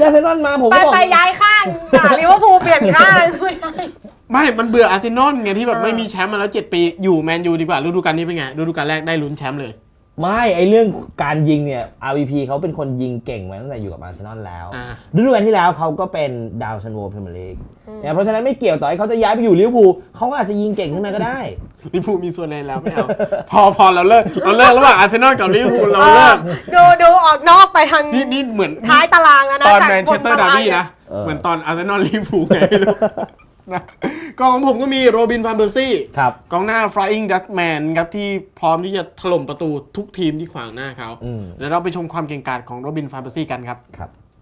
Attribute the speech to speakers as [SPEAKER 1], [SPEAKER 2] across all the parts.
[SPEAKER 1] อาร์เซนอลมาผมก็บอก
[SPEAKER 2] ไปย้ายข้างลิเวอร์พูลเปลี่ยนข้างไม่ใช่
[SPEAKER 3] ไม่มันเบื่ออาร์เซนอลไงที่แบบไม่มีแชมป์มาแล้ว7 ปีอยู่แมนยูดีกว่าฤดูกาลนี้เป็นไงฤดูกาลแรกได้ลุ้นแชมป์เลย
[SPEAKER 1] ไม่ไอเรื่องการยิงเนี่ย RVP เขาเป็นคนยิงเก่งมาตั้งแต่อยู่กับอาร์เซนอลแล้วฤดูกาลที่แล้วเขาก็เป็นดาวซันโวพรีเมียร์ลีกเนี่ยเพราะฉะนั้นไม่เกี่ยวต่อให้เขาจะย้ายไปอยู่ลิเวอร์พูลเขาก็อาจจะยิงเก่งขึ้นมาก็ได้
[SPEAKER 3] ลิเวอร์พูลมีส่วนในแล้วไม่เอาพอเราเลิกระหว่างอาร์เซนอลกับลิเวอร์พูลเราเลิก
[SPEAKER 2] ดูออกนอกไปทาง
[SPEAKER 3] นี่เหมือน
[SPEAKER 2] ท้ายตารางแล้วนะ
[SPEAKER 3] ตอนแมนเชสเตอร์ดาร์บี้นะเหมือนตอนอาร์เซนอลลิเวอร์พูลไงไม่รู้นะกองของผมก็มีโรบิน ฟานเปอร์ซี่กองหน้า Flying Dutchman ครับที่พร้อมที่จะถล่มประตูทุกทีมที่ขวางหน้าเขาแล้วเราไปชมความเก่งกาจของโรบิน ฟานเปอร์ซี่กันครับ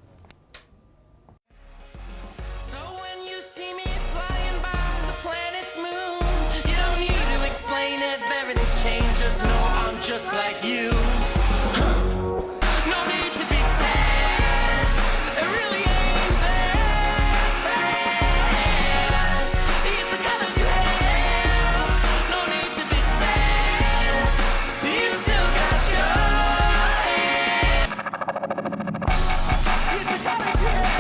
[SPEAKER 4] Just like you No need to be sad It really ain't that bad It's the colors you have No need to be sad You still got your hand It's the colors you have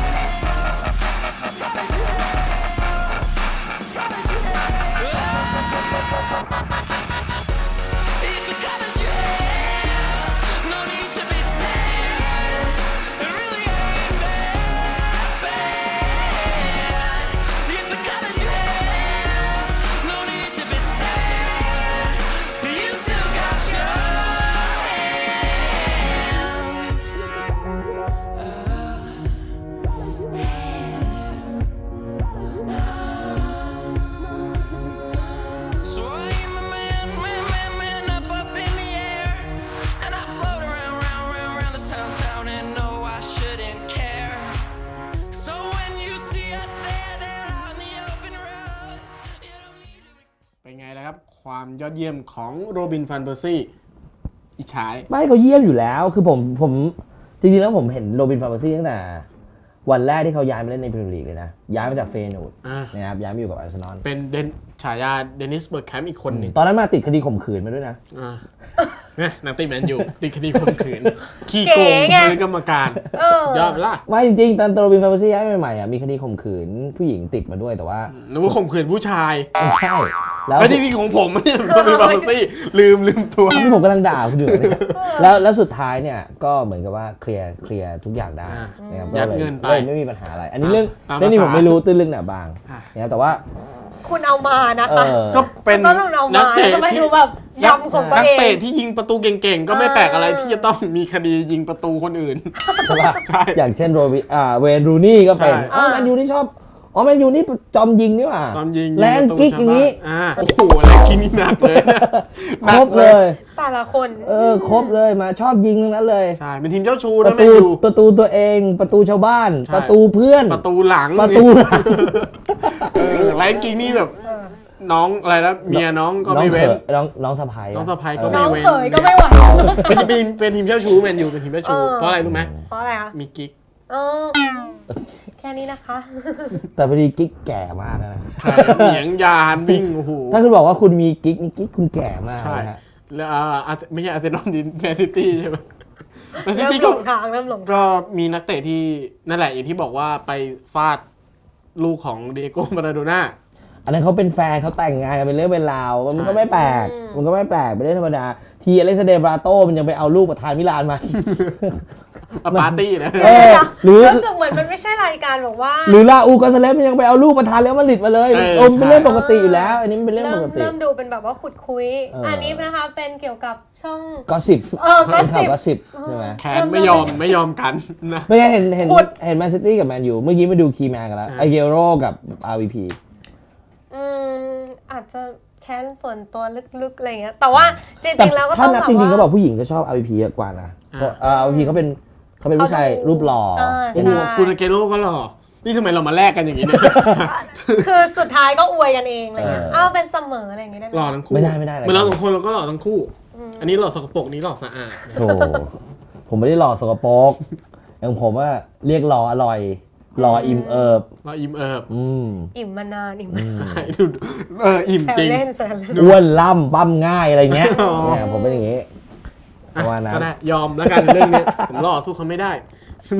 [SPEAKER 3] ความยอดเยี่ยมของโรบิน ฟานเปอร์ซี่อิจฉา
[SPEAKER 1] ไม่เขาเยี่ยมอยู่แล้วคือผมจริงๆแล้วผมเห็นโรบิน ฟานเปอร์ซี่ตั้งแต่วันแรกที่เขาย้ายมาเล่นในพรีเมียร์ลีกเลยนะย้ายมาจากเฟย์นูร์ดนะครับย้ายมาอยู่กับอาร์เซนอล
[SPEAKER 3] เป็นฉายาเดนิส เบิร์กแคมป์อีกคนหนึ่ง
[SPEAKER 1] ตอนนั้นมาติดคดีข่มขืนมาด้วยนะ
[SPEAKER 3] นักเตะแมนยูติดคดีข่มขืนขี้โกงซื้อกรรมการสุดยอดล่ะ
[SPEAKER 1] ว่าจริงๆตอนโรบิน ฟานเปอร์ซี่ย้ายใหม่ๆมีคดีข่มขืนผู้หญิงติดมาด้วยแต่ว่า
[SPEAKER 3] นึกว่าข่มขืนผู้ชาย
[SPEAKER 1] ไม่ใช่
[SPEAKER 3] แล้วที่ของผมเนี่ยโรบิน ฟานเปอร์ซี่ลืมตัว
[SPEAKER 1] ที่ผมกำลังด่าคุณอยู่เนี่ยแล้วสุดท้ายเนี่ยก็เหมือนกับว่าเคลียร์ทุกอย่างได้นะครับ
[SPEAKER 3] ยัดเงินไป
[SPEAKER 1] ไม่มีปัญหาอะไรอันนี้เรื่องนี้ผมไม่รู้ตื้นลึกหนาบางนะครับแต่ว่า
[SPEAKER 2] คุณเอามานะคะ
[SPEAKER 3] ก็เป็น
[SPEAKER 2] นักเตะที่แบบยำของตัวเอง
[SPEAKER 3] นักเตะที่ยิงประตูเก่งๆก็ไม่แปลกอะไรที่จะต้องมีคดียิงประตูคนอื่น
[SPEAKER 1] ใช่อย่างเช่นเวนรูนี่ก็เป็นแมนยูนี่ชอบแมนยูนี่จอมยิงนี่หว่าแรงกิ๊กอย่างนี้
[SPEAKER 3] โอ้โหแรงกิ๊กนี่หนักเลย
[SPEAKER 1] ครบเลย
[SPEAKER 2] แต่ละคน
[SPEAKER 1] ครบเลยมาชอบยิงทั้งนั้นเลย
[SPEAKER 3] ใช่เป็นทีมเจ้าชู้นะแมนยู
[SPEAKER 1] ประตูตัวเองประตูชาวบ้านประตูเพื่อน
[SPEAKER 3] ประตูหลังแรงกิ๊กนี่แบบน้องอะไรนะเมียน้องก็ไม่เว้น
[SPEAKER 1] น้องสะพ้าย
[SPEAKER 3] ก็ไม่เว้น
[SPEAKER 2] น้องเขยก็ไม่ไหว
[SPEAKER 3] เป็นทีมเจ้าชู้แมนยูเป็นทีมเจ้าชู้เพราะอะไรรู้ไหม
[SPEAKER 2] เพราะอะไรคะ
[SPEAKER 3] มีกิ๊ก
[SPEAKER 2] แค่นี้นะคะ
[SPEAKER 1] แต่พอดีกิ๊กแก่มากนะ
[SPEAKER 3] เหนียงยานวิ่งโอ้โห
[SPEAKER 1] ถ้าคุณบอกว่าคุณมีกิ๊กนี่กิ๊กคุณแก่มาก
[SPEAKER 3] ใช่แล้วไม่ใช่อาร์เซนอลดิแมนซิตี้ใช่ไหมแมนซิตี้ก็มีนักเตะที่นั่นแหละอย่างที่บอกว่าไปฟาดลูกของเดโก้ มาราโดน่า
[SPEAKER 1] อันนั้นเขาเป็นแฟนเขาแต่งงานกันเป็นเรื่องเป็นราวมันก็ไม่แปลกเป็นเรื่องธรรมดาทีอเล็กซานเดร์ บราโต้มันยังไปเอาลูกประธานมิลานมา
[SPEAKER 3] ปาร์ตี้นะ
[SPEAKER 2] รู้สึกเหมือนมันไม่ใช่รายการบอกว่า
[SPEAKER 1] หรือลาอูกาซาเลสมันยังไปเอาลูกประธานแล้วมาดริดมาเลยเป็นเรื่องปกติอยู่แล้วอันนี้เป็นเรื่องปกติ
[SPEAKER 2] เริ่มดูเป็นแบบว่าขุดคุยอันนี้นะคะเป็นเกี่ยวกับช่อง
[SPEAKER 1] ก็สิบใช่ไหม
[SPEAKER 3] แคนไม่ยอมกันนะ
[SPEAKER 1] ไม่ใช่เห็นแมนซิตี้กับแมนยูเมื่อกี้มาดูคีย์แมนกันแล้วไอเกโร่กับ RVP
[SPEAKER 2] อาจจะแค้นส่วนตัวลึกๆอะไรเงี้ยแต่ว่าจริงๆแล้วก็ต้องแบบว่า
[SPEAKER 1] ถ้านับจริงๆก็บอกผู้หญิงก็ชอบ RVP เยอะกว่านะเพราะRVP เขาเป็นผู้ชายรูปหล่อ
[SPEAKER 3] โอ้โหกูนาเกโร่ก็หล่อนี่ทำไมเรามาแลกกันอย่างนี้เนี่ย
[SPEAKER 2] คือสุดท้ายก็อวยกันเองอะไรเงี้ยเป็นเสมออะไรอย่างงี้ได้ไหม
[SPEAKER 3] หล่อทั้งคู่
[SPEAKER 1] ไม่ได้
[SPEAKER 3] เหมือนเราสองคนเราก็หล่อทั้งคู่อันนี้หล่อสกปรกนี้หล่อสะอาด
[SPEAKER 1] โธ่ผมไม่ได้หล่อสกปรกอย่างผมว่าเรียกหล่ออร่อยหล่ออิ่มเอิบ
[SPEAKER 2] อิ่มมานานอิ่ม
[SPEAKER 3] อิ่มจริง
[SPEAKER 1] อ้วนล่ำปั้มง่ายอะไรเงี้ยผมเป็นอย่างงี้
[SPEAKER 3] ว่านะก็ได้ยอมแล้วกันเรื่องนี้ผมหล่อสู้เขาไม่ได้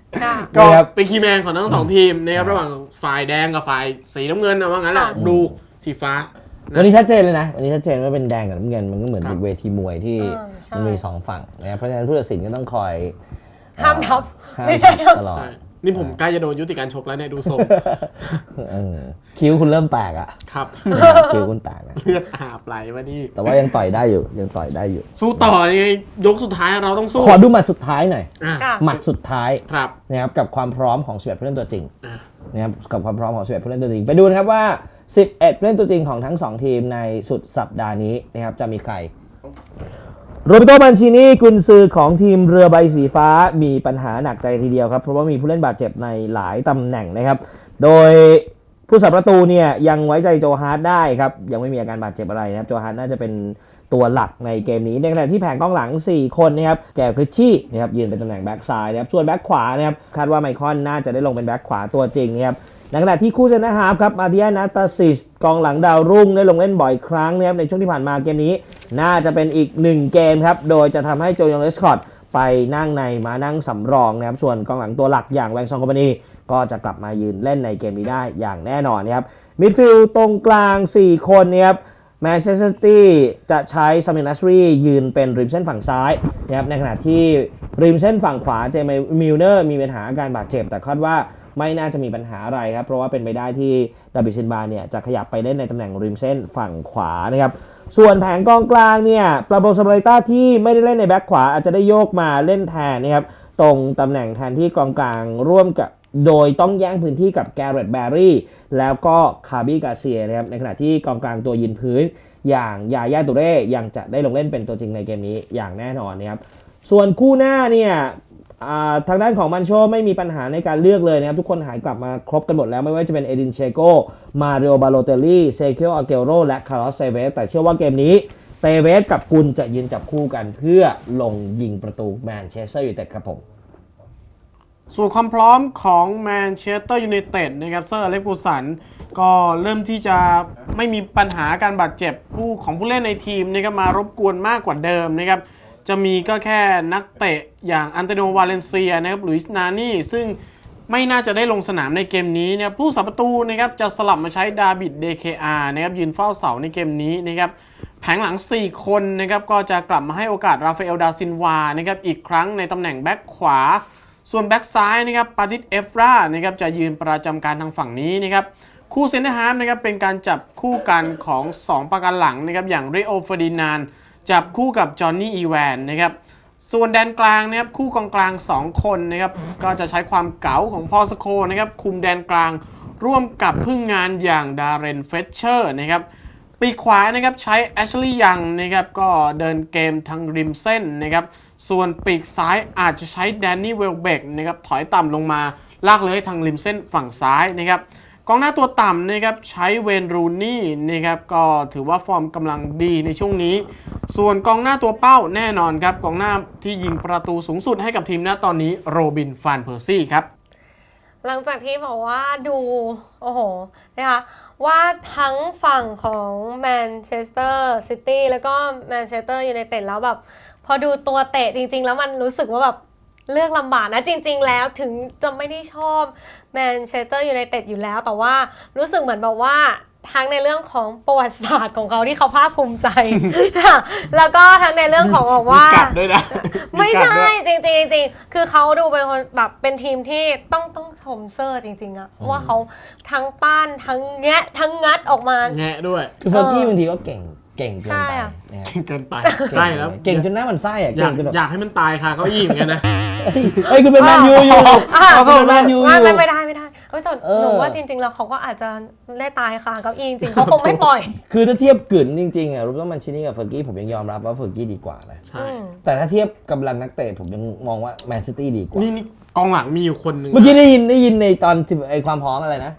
[SPEAKER 2] ค่ะ
[SPEAKER 3] ก็เป็นคีย์แมนของทั้งสองทีมนะครับระหว่างฝ่ายแดงกับฝ่ายสีน้ำเงินนะว่างั้นแหละ
[SPEAKER 2] ค่ะ
[SPEAKER 3] ดูสีฟ้า
[SPEAKER 1] วันนี้ชัดเจนเลยนะวันนี้ชัดเจนว่าเป็นแดงกับน้ำเงินมันก็เหมือน
[SPEAKER 3] ครับ
[SPEAKER 1] เวทีมวยที่
[SPEAKER 2] ใช่
[SPEAKER 1] มันมีสองฝั่งนะครับเพราะฉะนั้นผู้ตัดสินก็ต้องคอย
[SPEAKER 2] ห้ามทับ
[SPEAKER 1] ห้าม
[SPEAKER 2] ไม่ใช่ครับ
[SPEAKER 1] ตลอด
[SPEAKER 3] ใช่นี่ผมใกล้จะโดนยุติการชกแล้วเนี่ยดูทรง
[SPEAKER 1] คิ้วคุณเริ่มแตกอ่ะ
[SPEAKER 3] ครับ
[SPEAKER 1] คิ้วคุณแตกอะ
[SPEAKER 3] เลือดอาบไหลมานี่
[SPEAKER 1] แต่ว่ายังต่อยได้อยู่ยังต่อยได้อยู่
[SPEAKER 3] สู้ต่อยังไงยกสุดท้ายเราต้องสู้
[SPEAKER 1] ขอดูหมัดสุดท้ายหน่อย
[SPEAKER 3] อ่ะ
[SPEAKER 2] ค่ะ
[SPEAKER 1] หมัดสุดท้าย
[SPEAKER 3] ครับ
[SPEAKER 1] นะครับกับความพร้อมของ11ผู้เล่นตัวจริง
[SPEAKER 3] อ่ะ
[SPEAKER 1] นะครับกับความพร้อมของ11ผู้เล่นตัวจริงไปดูนะครับว่า11ผู้เล่นตัวจริงของทั้ง2ทีมในสุดสัปดาห์นี้นะครับจะมีใครโรเบโต มันชินีกุนซือของทีมเรือใบสีฟ้ามีปัญหาหนักใจทีเดียวครับเพราะว่ามีผู้เล่นบาดเจ็บในหลายตำแหน่งนะครับโดยผู้สับประตูเนี่ยยังไว้ใจโจฮาร์ดได้ครับยังไม่มีอาการบาดเจ็บอะไรนะครับโจฮาร์ดน่าจะเป็นตัวหลักในเกมนี้ในขณะที่แผงกองหลัง4คนนะครับแกคริชชี่นะครับยืนเป็นตำแหน่งแบ็กซ้ายนะครับส่วนแบ็กขวานะครับคาดว่าไมคอนน่าจะได้ลงเป็นแบ็กขวาตัวจริงนะครับในขณะที่คู่เซนเตอร์ฮาล์ฟครับมาเดียนาตาซิสกองหลังดาวรุ่งได้ลงเล่นบ่อยครั้งนะครับในช่วงที่ผ่านมาเกมนี้น่าจะเป็นอีก1เกมครับโดยจะทำให้โจยองเลสคอตไปนั่งในมานั่งสำรองนะครับส่วนกองหลังตัวหลักอย่างแวงซองคอมพานีก็จะกลับมายืนเล่นในเกมนี้ได้อย่างแน่นอนนะครับมิดฟิลด์ตรงกลาง4คนนะครับแมนเชสเตอร์ซิตี้จะใช้ซามินัสรียืนเป็นริมเส้นฝั่งซ้ายนะครับในขณะที่ริมเส้นฝั่งขวาเจมี่มิลเนอร์มีปัญหาอาการบาดเจ็บแต่คาดว่าไม่น่าจะมีปัญหาอะไรครับเพราะว่าเป็นไปได้ที่ดาบิดซินบาเนี่ยจะขยับไปเล่นในตำแหน่งริมเส้นฝั่งขวานะครับส่วนแผงกองกลางเนี่ยปราโบซาบาริต้าที่ไม่ได้เล่นในแบ็คขวาอาจจะได้โยกมาเล่นแทนนะครับตรงตำแหน่งแทนที่กองกลางร่วมกับโดยต้องแย่งพื้นที่กับแกเรตแบร์รี่แล้วก็คาร์บี้กาเซียนะครับในขณะที่กองกลางตัวยืนพื้นอย่างยาย่าตูเร่ยังจะได้ลงเล่นเป็นตัวจริงในเกมนี้อย่างแน่นอนนะครับส่วนคู่หน้าเนี่ยทางด้านของมันโชไม่มีปัญหาในการเลือกเลยนะครับทุกคนหายกลับมาครบกันหมดแล้วไม่ว่าจะเป็นเอดินเชโกมาริโอบาโลเตลลี่เซเคิลอาเกโรและคาร์ลอสเซเวสแต่เชื่อว่าเกมนี้เตเวสกับกุลจะยืนจับคู่กันเพื่อลงยิงประตูแมนเชสเตอร์ยูไนเต็ดครับผม
[SPEAKER 3] ส่วนความพร้อมของแมนเชสเตอร์ยูไนเต็ดนะครับเซอร์อเล็กซ์กูสันก็เริ่มที่จะไม่มีปัญหาการบาดเจ็บผู้เล่นในทีมนะครับมารบกวนมากกว่าเดิมนะครับจะมีก็แค่นักเตะอย่างอันโตนิโอ วาเลนเซียนะครับลุยส์นานี่ซึ่งไม่น่าจะได้ลงสนามในเกมนี้นะครับผู้สับประตูนะครับจะสลับมาใช้ดาบิด DKR นะครับยืนเฝ้าเสาในเกมนี้นะครับแผงหลัง4คนนะครับก็จะกลับมาให้โอกาสราฟาเอล ดาซินวานะครับอีกครั้งในตำแหน่งแบ็คขวาส่วนแบ็คซ้ายนะครับปาติส เอฟรานะครับจะยืนประจำการทางฝั่งนี้นะครับคู่เซนเตอร์ฮาล์ฟนะครับเป็นการจับคู่กันของ2ประกันหลังนะครับอย่างริโอ เฟอร์ดินานด์จับคู่กับจอห์นนี่ อีแวนนะครับส่วนแดนกลางนะครับคู่กองกลาง2คนนะครับก็จะใช้ความเก๋าของพอสโคนะครับคุมแดนกลางร่วมกับพึ่งงานอย่างดาเรน เฟชเชอร์นะครับปีกขวานะครับใช้แอชลีย์ยังนะครับก็เดินเกมทางริมเส้นนะครับส่วนปีกซ้ายอาจจะใช้แดนนี่ เวลเบกนะครับถอยต่ำลงมาลากเลยทางริมเส้นฝั่งซ้ายนะครับกองหน้าตัวต่ำนะครับใช้เวนรูนี่นะครับก็ถือว่าฟอร์มกำลังดีในช่วงนี้ส่วนกองหน้าตัวเป้าแน่นอนครับกองหน้าที่ยิงประตูสูงสุดให้กับทีมณตอนนี้โรบิน ฟานเพอร์ซี่ครับ
[SPEAKER 2] หลังจากที่บอกว่าดูโอ้โหนะคะว่าทั้งฝั่งของแมนเชสเตอร์ซิตี้แล้วก็แมนเชสเตอร์ยูไนเต็ดแล้วแบบพอดูตัวเตะจริงๆแล้วมันรู้สึกว่าแบบเลือกลำบากนะจริงๆแล้วถึงจะไม่ได้ชอบแมนเชสเตอร์ยูไนเต็ดอยู่แล้วแต่ว่ารู้สึกเหมือนแบบว่าทั้งในเรื่องของประวัติศาสตร์ของเขาที่เขาภาคภูมิใจ แล้วก็ทั้งในเรื่องของบอกว่าไม่ใช่จริงๆคือเขาดูเป็นคนแบบเป็นทีมที่ต้องชมเซอร์จริงๆอะว่าเขาทั้งต้านทั้งแงะทั้งงัดออกมา
[SPEAKER 3] แงะด้วย
[SPEAKER 1] คือเฟอร์กี้บางทีก็เก่งเกินไป
[SPEAKER 3] เก่งเกินไปใช่แล้ว
[SPEAKER 1] เก่งจนหน้ามันไส้อะ
[SPEAKER 3] อยากให้มันตายค่ะเก้าอี้เหมือนกันนะ
[SPEAKER 1] เฮ้ยคุณเป็นแมนยูอยู่เป็นแมนยูอยู่
[SPEAKER 2] ไม่ได้หนูว่าจริงๆแล้วเขาก็อาจจะได้ตายค่ะเก้าอี้จริงเขาคงไม่ปล่อย
[SPEAKER 1] คือถ้าเทียบกึ่นจริงๆอะรูปต้องมันชินี่กับเฟอร์กี้ผมยังยอมรับว่าเฟอร์กี้ดีกว่านะ
[SPEAKER 3] ใช่
[SPEAKER 1] แต่ถ้าเทียบกำลังนักเตะผมยังมองว่าแมนซิตี้ดีกว่า
[SPEAKER 3] นี่กองหลังมีอยู่คนนึง
[SPEAKER 1] เมื่อกี้ได้ยินในตอนไอความพร้อมอะไรนะ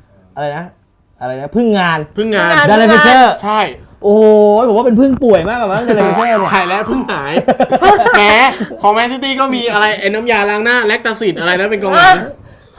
[SPEAKER 1] พึ่งงานดาเลนเชอร์
[SPEAKER 3] ใช่
[SPEAKER 1] โอ้ยผมว่าเป็นพึ่งป่วยมากกว่ามั้งดาเลนเชอร์เนี่ย
[SPEAKER 3] หายแล้วพึ่งหายแหมของแมนซิตี้ก็มีอะไรไอ้น้ำยาล้างหน้าแลคตาซิดอะไรนะเป็นกองหลัง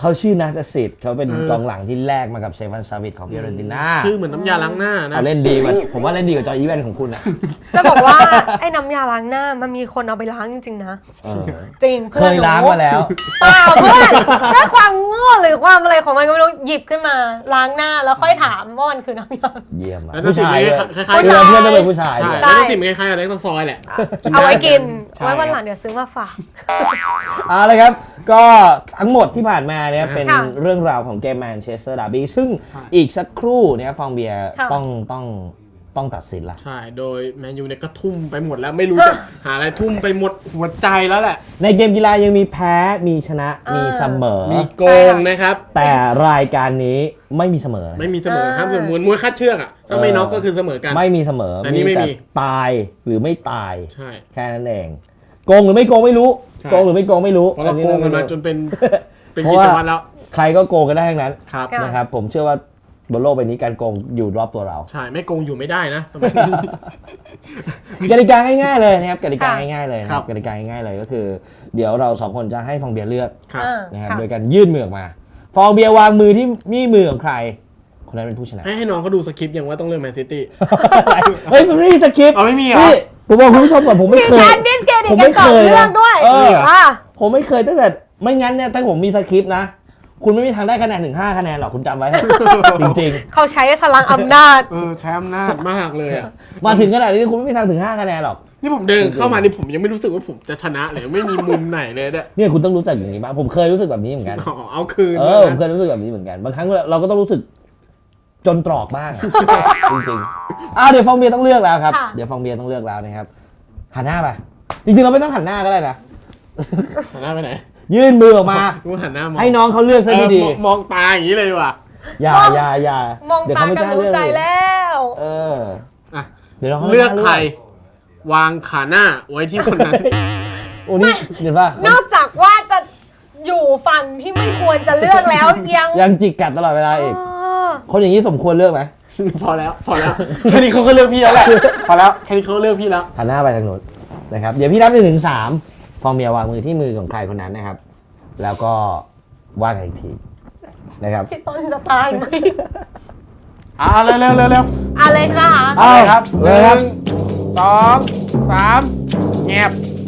[SPEAKER 1] เขาชื่อนาซาสิตเขาเป็นกองหลังที่แลกมากับเซฟันซาวิตของฟิโอเรนติน่า
[SPEAKER 3] ชื่อเหมือนน้ำยาล้างหน้านะ
[SPEAKER 1] เล่นดีกว่าผมว่าเล่นดีกว่าจอร์อีแวนของคุณอะ
[SPEAKER 2] จะบอกว่าไอ้น้ำยาล้างหน้ามันมีคนเอาไปล้างจริงๆนะ จริง
[SPEAKER 1] เคยล้างมาแล้ว
[SPEAKER 2] เปล่าเพื่อนด้วยความโง่หรือความอะไรของมันก็ไม่รู้หยิบขึ้นมาล้างหน้าแล้วค่อยถามว่ามันคือน้ำยา
[SPEAKER 1] เยี่ยมอะ
[SPEAKER 3] แล้ว
[SPEAKER 1] ผู้ชาย
[SPEAKER 3] คล้ายๆ
[SPEAKER 2] ผู้ชาย
[SPEAKER 1] เพื่อนต้องเป็นผู้ชาย
[SPEAKER 3] ใช่
[SPEAKER 1] ด้วย
[SPEAKER 3] แล้วก็สิ่งคล้ายๆกับเล็กซอยแหละ
[SPEAKER 2] เอาไว้กิน
[SPEAKER 3] ใช่
[SPEAKER 2] ไว้วันหลังเดี๋ยวซื้อมาฝาก
[SPEAKER 1] เอาเลยครับ ก็ทั้งหมดที่ผ่านมาเนี่ยเป็น
[SPEAKER 2] ค่ะ
[SPEAKER 1] เรื่องราวของเกมแมนเชสเตอร์ดาร์บี้ซึ่งอีกสักครู่เนี่ยฟองเบียร์
[SPEAKER 2] ค่ะ
[SPEAKER 1] ต้องตัดสินละ
[SPEAKER 3] ใช่ โดยแมนยูเนี่ยก็ทุ่มไปหมดแล้วไม่รู้จะหาอะไรทุ่มไปหมดหัวใจแล้วแหละ
[SPEAKER 1] ในเกมกีฬายังมีแพ้มีชนะมีเสมอ
[SPEAKER 3] มีโกงนะครับ
[SPEAKER 1] แต่รายการนี้ไม่มีเสมอนะ
[SPEAKER 3] ไม่มีเสมอห้ามเสมอมวยคาดเชือกอ่ะถ้าไม่น็อกก็คือเสมอกัน
[SPEAKER 1] ไม่มีเสมอ
[SPEAKER 3] แต่นี่ไม่มี
[SPEAKER 1] ตายหรือไม่ตาย
[SPEAKER 3] ใช่
[SPEAKER 1] แค่นั้นเองโกงหรือไม่โกงไม่รู้
[SPEAKER 3] ใช่
[SPEAKER 1] โกงหรือไม่โกงไม่รู้
[SPEAKER 3] เพราะเราโกงกันมาจนเป็นเป็น
[SPEAKER 1] เพ
[SPEAKER 3] กิ
[SPEAKER 1] ราะว่า
[SPEAKER 3] จวัตรแล้ว
[SPEAKER 1] ใครก็โกงกันได้ทั้งนั้น
[SPEAKER 3] ครับ
[SPEAKER 2] ค่ะ
[SPEAKER 1] นะครับผมเชื่อว่าบนโลกใบนี้การโกงอยู่รอบตัวเรา
[SPEAKER 3] ใช่ไม่โกงอยู่ไม่ได้นะสมัยนี้
[SPEAKER 1] กติกาง่ายๆเลยนะครับกติกา
[SPEAKER 2] ค่ะ
[SPEAKER 1] ง่ายๆเลยนะค
[SPEAKER 3] ครั
[SPEAKER 1] รับบ กติกาง่ายๆเลยก็คือ เดี๋ยวเราสองคนจะให้ฟองเบียร์เลือก
[SPEAKER 3] ครับ
[SPEAKER 1] นะครับ
[SPEAKER 2] ค่ะ
[SPEAKER 1] โดยการยื่นมือออกมา ฟองเบียร์วางมือที่นี่มือของใคร คนนั้นเป็นผู้ชนะ
[SPEAKER 3] ให้น้องเขาดูสคริปต์ยังว่าต้องเลือกแมนซิตี้
[SPEAKER 1] เฮ้ยมันไม่มีสคริปต์
[SPEAKER 3] เอาไม่มีเหรอ
[SPEAKER 1] นี่ผมบอกคุณผู้ชมก่อนผมไม่
[SPEAKER 2] มี
[SPEAKER 1] เคย
[SPEAKER 2] การดิสเครดิต
[SPEAKER 1] ผม
[SPEAKER 2] กั
[SPEAKER 1] ไม่
[SPEAKER 2] นก่อน
[SPEAKER 1] เคยนะ
[SPEAKER 2] เรื่องด้วย
[SPEAKER 1] เออ
[SPEAKER 2] ว่า
[SPEAKER 1] ผมไม่เคยตั้งแต่ไม่งั้นเนี่ยถ้าผมมีสคริปต์นะ คุณไม่มีทางได้คะแนนถึง5คะแนนหรอกคุณจำไว้เถอะจริง
[SPEAKER 2] เขาใช้พลังอำนาจ
[SPEAKER 3] ใช้อำนาจมากเลยอ่ะ
[SPEAKER 1] ๆ มาถึงขนาดนี้คุณไม่มีทางถึง5คะแนนหรอก
[SPEAKER 3] นี่ผมเดินเข้ามานี่ผมยังไม่รู้สึกว่าผมจะชนะเลยไม่มีมุมไหนเลยเนี่ย
[SPEAKER 1] เนี่ยคุณต้องรู้จักอย่างนี้บ้างผมเคยรู้สึกแบบนี้เหมือนกัน
[SPEAKER 3] อ๋อเอาคืน
[SPEAKER 1] ผมเคยรู้สึกแบบนี้เหมือนกัน บางครั้งเราก็ต้องรู้สึกจนตรอกบ้างอะ จริงๆเดี๋ยวฟองเบียร์ต้องเลือกแล้วครับ
[SPEAKER 2] ค่ะ
[SPEAKER 1] เดี๋ยวฟองเบียร์ต้องเลือกแล้วนะครับ หันหน้าไป จริงๆเราไม่ต้องหันหน้าก็ได้นะ
[SPEAKER 3] หันหน้าไปไหน
[SPEAKER 1] ยื่นมือออกมา
[SPEAKER 3] กูหันหน้ามอง
[SPEAKER 1] ให้น้องเขาเลือกซะดี
[SPEAKER 3] มองตาอย่างนี้เลยดีกว่ะ
[SPEAKER 1] ๆอย่า
[SPEAKER 2] มอง
[SPEAKER 1] เดี๋ยว
[SPEAKER 2] ตา
[SPEAKER 1] เขาไม่
[SPEAKER 2] กัน
[SPEAKER 1] กล้า
[SPEAKER 2] รู้
[SPEAKER 1] เลือก
[SPEAKER 2] ใจแล้ว
[SPEAKER 1] เออ
[SPEAKER 3] อ่ะ
[SPEAKER 1] เดี๋ยวน้องขา
[SPEAKER 3] เลือก
[SPEAKER 1] ไม่า
[SPEAKER 3] ใคร วางขาหน้าไว้ที่คนนั้น
[SPEAKER 1] โอ้นี่เห็นป่ะ
[SPEAKER 2] นอกจากว่าจะอยู่ฝั่งที่ไม่ควรจะเลือกแล้วยัง
[SPEAKER 1] ยังจิกกัดตลอดเวลาอีก
[SPEAKER 2] เออ
[SPEAKER 1] คนอย่างนี้สมควรเลือกไหม
[SPEAKER 3] พอแล้วแค่นี้เขาก็เลือกพี่แล้วแหละพอแล้วแค่นี้เขาก็เลือกพี่แล้ว
[SPEAKER 1] หันหน้าไปทางโน้นนะครับ เดี๋ยวพี่นับ1 ถึง 3ฟองเบียร์วางมือที่มือของใครคนนั้นนะครับ แล้วก็ว่ากันอีกทีนะครับ
[SPEAKER 2] พี่ต้นจะตายไหม
[SPEAKER 3] เร็ว
[SPEAKER 2] อะไรใช่ไหมคะ
[SPEAKER 1] เอา
[SPEAKER 3] ครับ
[SPEAKER 1] เลยครับ
[SPEAKER 3] 1 2 3เงียบ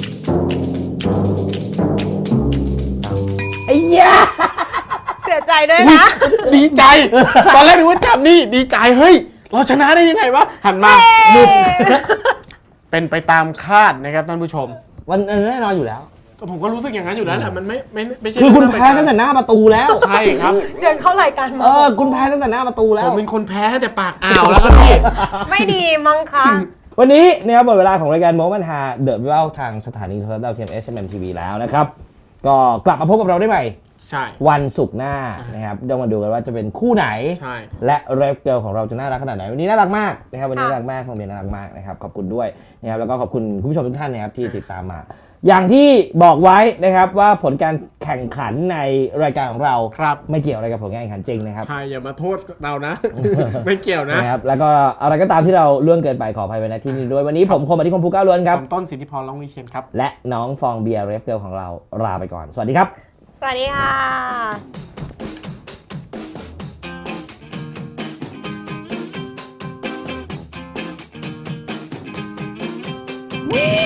[SPEAKER 1] ไอ้ยา
[SPEAKER 2] เสียใจด้วยนะ
[SPEAKER 3] ดีใจ ตอนแรกนึกว่าจับนี่ดีใจเฮ้ยเราชนะได้ยังไงวะหันมาหยุดเป็นไปตามคาดนะครับท่านผู้ชม
[SPEAKER 1] มันแน่นอนอยู่แล้ว
[SPEAKER 3] ผมก็รู้สึกอย่างนั้นอยู่แล้วแหละมันไม่ใช่
[SPEAKER 1] คือคุณ
[SPEAKER 3] เรื่ง
[SPEAKER 1] แพ้ตั้งแต่หน้าประตูแล้ว
[SPEAKER 3] ใช่ครับ
[SPEAKER 2] เดินเข้ารายการมา
[SPEAKER 1] คุณแพ้ตั้งแต่หน้าประตูแล้
[SPEAKER 3] ผ
[SPEAKER 1] ว
[SPEAKER 3] มเป็นคนแพ้ตั้งแต่ปากอ่าวแล้วครับพี่
[SPEAKER 2] ไม่ดีมั้งคะ
[SPEAKER 1] วันนี้นะครับหมดเวลาของรายการโมมันฮาเดอะวิวทางสถานีโทรทัศน์ดาวเทียม SMM TV แล้วนะครับ ก็กลับมาพบกับเราได้ใหม่
[SPEAKER 3] ใช่
[SPEAKER 1] วันศุกร์หน้านะครับเดี๋ยวมาดูกันว่าจะเป็นคู่ไหน
[SPEAKER 3] ใช่
[SPEAKER 1] และเรฟเกิลของเราจะน่ารักขนาดไหนวันนี้น่ารักมากนะครับวันนี้
[SPEAKER 2] ค่ะ
[SPEAKER 1] น่ารักมากฟองเบียร์น่ารักมากนะครับขอบคุณด้วยนะครับแล้วก็ขอบคุณคุณผู้ชมทุกท่านนะครับที่ติดตามมา อย่างที่บอกไว้นะครับว่าผลการแข่งขันในรายการของเรา
[SPEAKER 3] ครับ
[SPEAKER 1] ไม่เกี่ยวอะไรกับผลการแข่งขันจริงนะครับ
[SPEAKER 3] ใช่อย่ามาโทษเรานะ ไม่เกี่ยวนะ
[SPEAKER 1] นะครับแล้วก็อะไรก็ตามที่เราล่วงเกินไปขออภัยไว้ณที่นี้ด้วยวันนี้ผมคมอธิคมภูก้าวล้วนครับ
[SPEAKER 3] ผมต้นสิทธิพรร้องวิเชียนครับ
[SPEAKER 1] และน้องฟองเบียร์เรฟเกิลของเราลาไปก่อนสวัสดีครับ
[SPEAKER 2] สวัสดีค่ะ
[SPEAKER 4] Woo!